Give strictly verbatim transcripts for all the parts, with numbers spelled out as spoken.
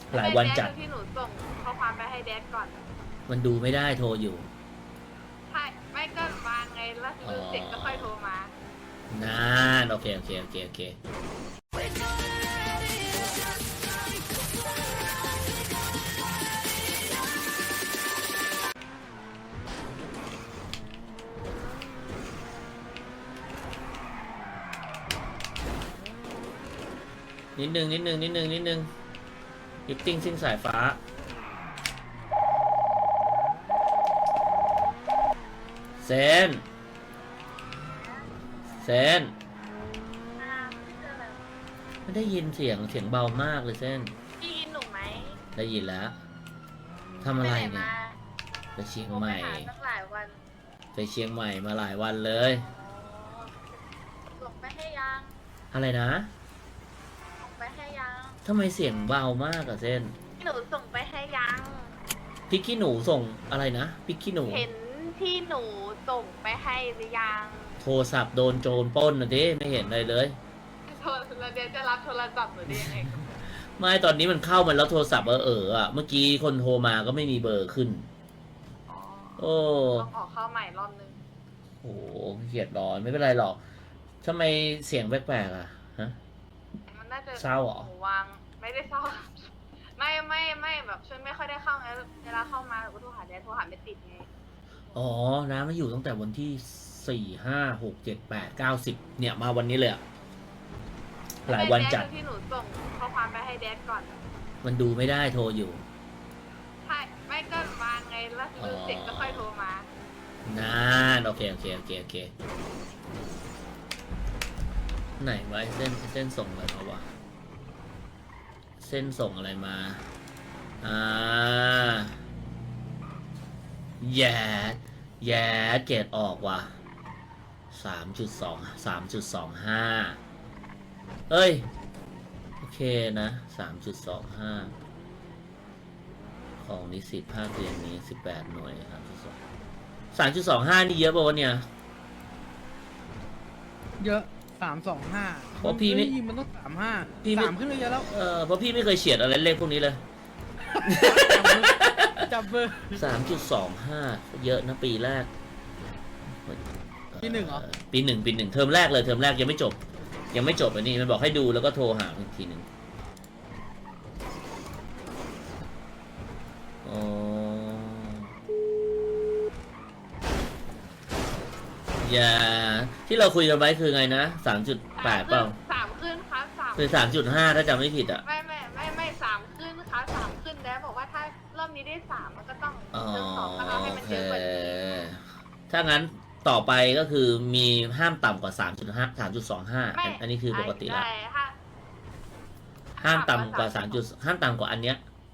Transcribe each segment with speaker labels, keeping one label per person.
Speaker 1: หลายวันจัด
Speaker 2: ที่หนูส่งข้อความไปให้แดดก่อน
Speaker 1: มันดูไม่ได้โทรอยู่
Speaker 2: ใช่ไม่ก็วางไงแล้วดูเสร็จก็ค่อยโทรมาน
Speaker 1: านโอเคโอเคโอเคโอเคนิดนึงนิดนึงนิดนึงนิดนึงลิฟติ้งซิ่งสายฟ้าเซนเซนไม่ได้ยินเสียงเสียงเบามากเลยเซน
Speaker 2: พี่ยินหนูไหม
Speaker 1: ได้ยินแล้วทำอะไรเนี่ย
Speaker 2: มา
Speaker 1: ไปเชียง
Speaker 2: โทร
Speaker 1: ให
Speaker 2: ไป
Speaker 1: ม่
Speaker 2: หาตั้งหลายวัน
Speaker 1: ไปเชียงใหม่มาหลายวันเลย
Speaker 2: ส่งไปให้ยัง
Speaker 1: อะไรนะ
Speaker 2: ส่งไปให้ยัง
Speaker 1: ทำไมเสียงเบามากอะเซน
Speaker 2: หนูส่งไปให้ยัง
Speaker 1: พริกขี้หนูส่งอะไรนะพริกขี้หนู
Speaker 2: เห็นที่หนูส่งไปให้หรือยัง
Speaker 1: โทรศัพท์โดนโจรปล้นนะดิไม่เห็นอะไรเลย
Speaker 2: โทรแล้วเดี๋ยวจะรับโทรศัพท์หนูได้ยังไง
Speaker 1: ไม่ตอนนี้มันเข้ามาแล้วโทรศัพท์เออเอออะเมื่อกี้คนโทรมาก็ไม่มีเบอร์ขึ้น
Speaker 2: อ๋อ
Speaker 1: โอ้
Speaker 2: ต้องออกเข้าใหม่รอบนึง
Speaker 1: โหเกียดร้อนไม่เป็นไรหรอกทำไมเสียงแปลกๆอะฮะ
Speaker 2: มันน่าจะ
Speaker 1: เศร้าเหรอ
Speaker 2: นูวางไม่ได้เศร้า ไม่ไม่ไม่แบบช่วยไม่ค่อยได้เข้าไงเวลาเข้ามาหนูก็โทรหาแดนโทรหาไม่ติดไง
Speaker 1: อ๋อน้ำมาอยู่ตั้งแต่วันที่สี่ห้าหกเจ็ดแปดเก้าสิบเนี่ยมาวันนี้เลยอะหลายวันจัด
Speaker 2: แที่หนูส่งข้อความไปให้แดดก่อน
Speaker 1: มันดูไม่ได้โทรอยู่
Speaker 2: ใช่ไม่ก็วางไงแล้วดูเสร็จก็ค่อยโทรมาน
Speaker 1: านโอเคโอเคโอเคโอเคไหนไว้เส้นเส้นส่งอะไรมาวะเส้นส่งอะไรมาอ่าแย่แย่เกรดออกว่ะสามจุดสองสามจุดสองห้าเอ้ยโอเคนะสามจุดสองห้าของนิสิตภาคเรียนนี้สิบแปดหน่วยครับสามจุดสองห้านี่เยอะป่าวะเนี่ย
Speaker 3: เยอะสามสองห้า
Speaker 1: เพราะพี่ไม่
Speaker 3: ยิงมันต้องสามห้า
Speaker 1: พี่ไม่
Speaker 3: สามขึ้นไปเยอะแล้ว
Speaker 1: เออเพราะพี่ไม่เคยเฉียดอะไรเลขพวกนี้เลย
Speaker 3: จับเบอร์
Speaker 1: สามจุดสองห้าเยอะนะปีแรก
Speaker 3: ปีหนึ่งเหรอ
Speaker 1: ปีหนึ่งปีหนึ่งเทอมแรกเลยเทอมแรกยังไม่จบ ยังไม่จบอันนี้มันบอกให้ดูแล้วก็โทรหาอีกทีหนึ่งอ๋ออย่าที่เราคุยกันไว้คือไงนะสามจุดแปดเปล่า
Speaker 2: สามขึ้นครับสาม
Speaker 1: คือสามจุดห้าถ้าจำไม่ผิดอ่ะ
Speaker 2: ไม่ไม่ไม่ไม่สามขึ้นครับสามขึ้นแล้วบอกว่าถ้ารอบนี้ได้สามมันก็ต้อง
Speaker 1: อ๋อ
Speaker 2: เติมสองก็เอาให้
Speaker 1: โอ
Speaker 2: มัน
Speaker 1: เค
Speaker 2: เยอะกว่านี้
Speaker 1: ถ้างั้นต่อไปก็คือมีห้ามต่ำกว่า สามจุดห้า สามจุดสองห้า
Speaker 2: ไม่
Speaker 1: อันนี้คือปกติละ
Speaker 2: ใช่ถ้า
Speaker 1: ห้ามต่ำกว่า 3 จุดห้ามต่ำกว่าอันเนี้ย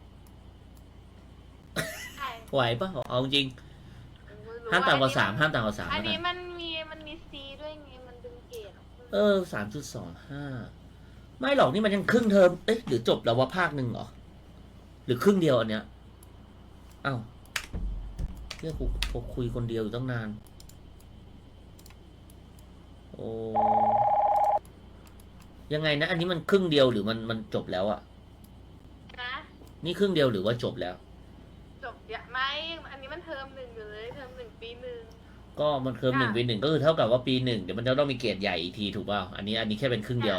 Speaker 2: ใช่
Speaker 1: ไหวปะเอาจริง ห้ามต่ำกว่า 3 ห้ามต่ำกว่า3
Speaker 2: อัน
Speaker 1: แล้ว
Speaker 2: นี้
Speaker 1: กัน
Speaker 2: มันมีมันมีซีด้วยไงมันดึงเกรด
Speaker 1: เออ สามจุดสองห้า ไม่หรอกนี่มันยังครึ่งเทอม เอ๊ะหรือจบแล้วว่าภาคหนึ่งเหรอ หรือครึ่งเดียวอันเนี้ยอ้าวเรียกกูกูคุยคนเดียวอยู่ตั้งนาน โอ้ยังไงนะ อันนี้มันครึ่งเดียวหรือมันมันจบแล้วอะ
Speaker 2: นะ
Speaker 1: นี่ครึ่งเดียวหรือว่าจบแล้ว
Speaker 2: จบเยอะไหมอันนี้มันเทอมหนึ่งอยู่เลยเทอมหนึ่งปีหนึ่ง
Speaker 1: ก็มันเคิร์มหนึ่งปีหนึ่งก็คือเท่ากับว่าปีหนึ่งเดี๋ยวมันจะต้องมีเกรดใหญ่อีกทีถูกเปล่าอันนี้อันนี้แค่เป็นครึ่งเดียว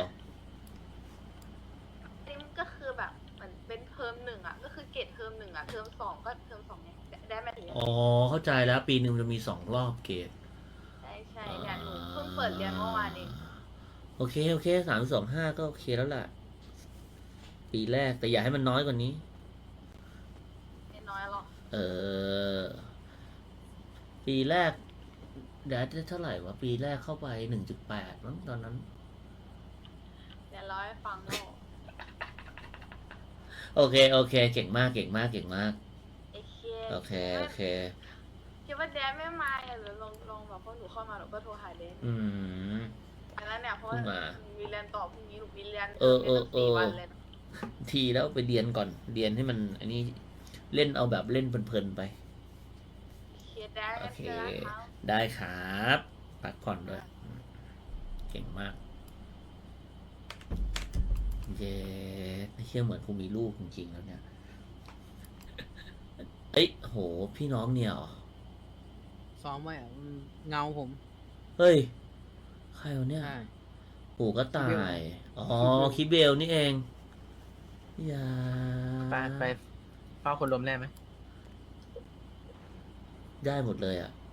Speaker 2: อันนี้มันก็คือแบบเหมือนเป็นเทอมหนึ่งอ่ะก็คือเกรดเทอมหนึ่งอ่ะเทอมสองก็เทอมสองไงได้ไหมถึง
Speaker 1: อ๋อเข้าใจแล้วปีหนึ่งจะมีสองรอบเกรด
Speaker 2: ใช่ใช่เนี่ยหนูเพิ่งเปิดเรียนเมื่อวานเอง
Speaker 1: โอเคโอเคสามสองห้าก็โอเคแล้วล่ะ ปีแรกแต่อย่าให้มันน้อยกว่านี้
Speaker 2: ไม่น้อยหรอก
Speaker 1: เออ ปีแรกเดี๋ยวได้เท่าไหร่วะปีแรกเข้าไปหนึ่งจุดแปดมั้งตอนนั้น
Speaker 2: เดี๋ยวร้อยฟังโลก
Speaker 1: โอเคโอเค เก่งมากเก่งมากเก่งมาก
Speaker 2: โอเค
Speaker 1: โอเคโอเค
Speaker 2: คิดว่าแดนไม่มาอ่ะหรือลองลองแบบพอหนูเข้ามาหนูก็โทรหาแดน
Speaker 1: อืม
Speaker 2: แล้วเนี่ยเพราะว่า
Speaker 1: เพิ่งมา
Speaker 2: มีเรียนต่อพรุ่งนี้หนูมีเรียน
Speaker 1: เออเออเออ
Speaker 2: รียนตั้งสี่วันเลยนะ
Speaker 1: ทีแล้วไปเรียนก่อนเรียนให้มัน อันนี้เล่นเอาแบบเล่นเพลินๆไป
Speaker 2: โอเคแดน
Speaker 1: โอเค
Speaker 2: เจอกันครับ
Speaker 1: ได้ครับพักผ่อนด้วย เก่งมากเย้ไม่เชื่อเหมือนกูมีลูกจริงๆแล้วเนี่ย เอ้ยโห พี่น้องเนี่ยเหรอ
Speaker 3: ซ้อมไว้อะมันเงาผม
Speaker 1: เฮ้ย ใครวะเนี่ย
Speaker 3: ใช่
Speaker 1: ปู่ก็ตา
Speaker 3: คิดเบล
Speaker 1: ย อ๋อ คิดเบลนี่เอง อย่า
Speaker 4: ไปไปเฝ้าคนล้มแน่ไหม
Speaker 1: ได้หมดเลยอ่ะ